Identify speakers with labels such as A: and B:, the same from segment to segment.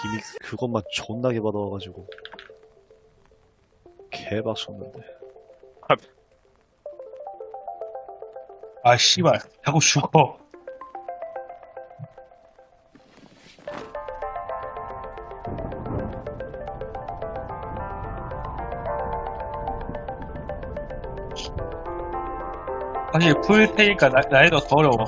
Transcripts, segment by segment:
A: 이미 그것만 존나게 받아와가지고 개박쳤는데.
B: 아 씨발 자꾸 죽어. 사실 풀테니까 난이도가 더 어려워.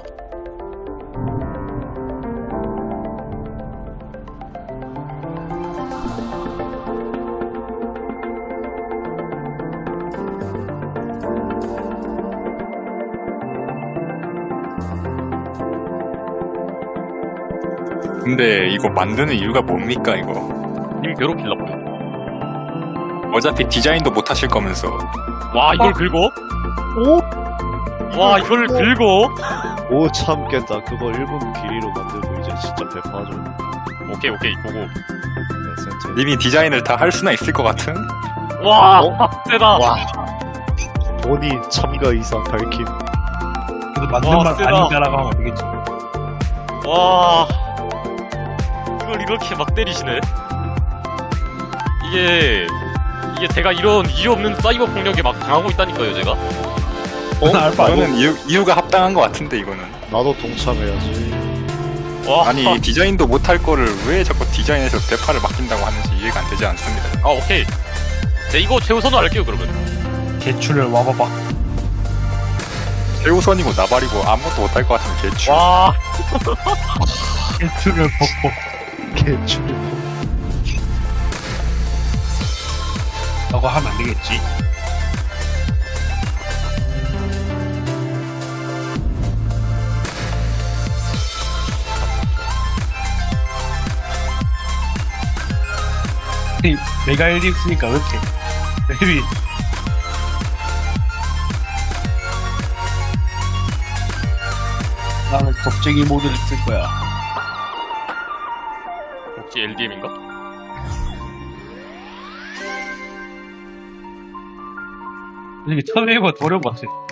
C: 근데 이거 만드는 이유가 뭡니까 이거?
D: 님 괴롭히려고요.
C: 어차피 디자인도 못 하실 거면서.
D: 와 이걸 긁어?
A: 오?
D: 와 이걸 긁어?
A: 오 참겠다. 그거 1분 길이로 만들고 이제 진짜 배파하죠.
D: 오케이 보고.
A: 네, 센트.
C: 님이 디자인을 다 할 수나 있을 것 같은?
D: 와 세다.
A: 와. 본이 참가 이상 밝힌.
B: 그래도 만든 말
D: 세다.
B: 아닌가라고 하면 되겠지.
D: 와 이걸 이렇게 막 때리시네. 이게 제가 이런 이유 없는 사이버 폭력에 막 당하고 있다니까요 제가.
B: 알바 아니야?
C: 이거는 이유가 합당한 것 같은데 이거는.
A: 나도 동참해야지.
D: 와
C: 아니 디자인도 못 할 거를 왜 자꾸 디자인에서 대파를 맡긴다고 하는지 이해가 안 되지 않습니다.
D: 아 오케이. 네 이거 최우선으로 할게요 그러면.
B: 대출을 와봐봐.
C: 최우선이고 나발이고 아무것도 못 할 것 같으면 개추.
D: 와
B: 대출을 벗고
A: 개출.
B: 라고 하면 안 되겠지. 내가 일이 있으니까 왜 이렇게 맵이 나는 겁쟁이 모드를 쓸 거야.
D: 혹시 LDM인가?
B: 이게 처음에 해봐 어려운 것 같아.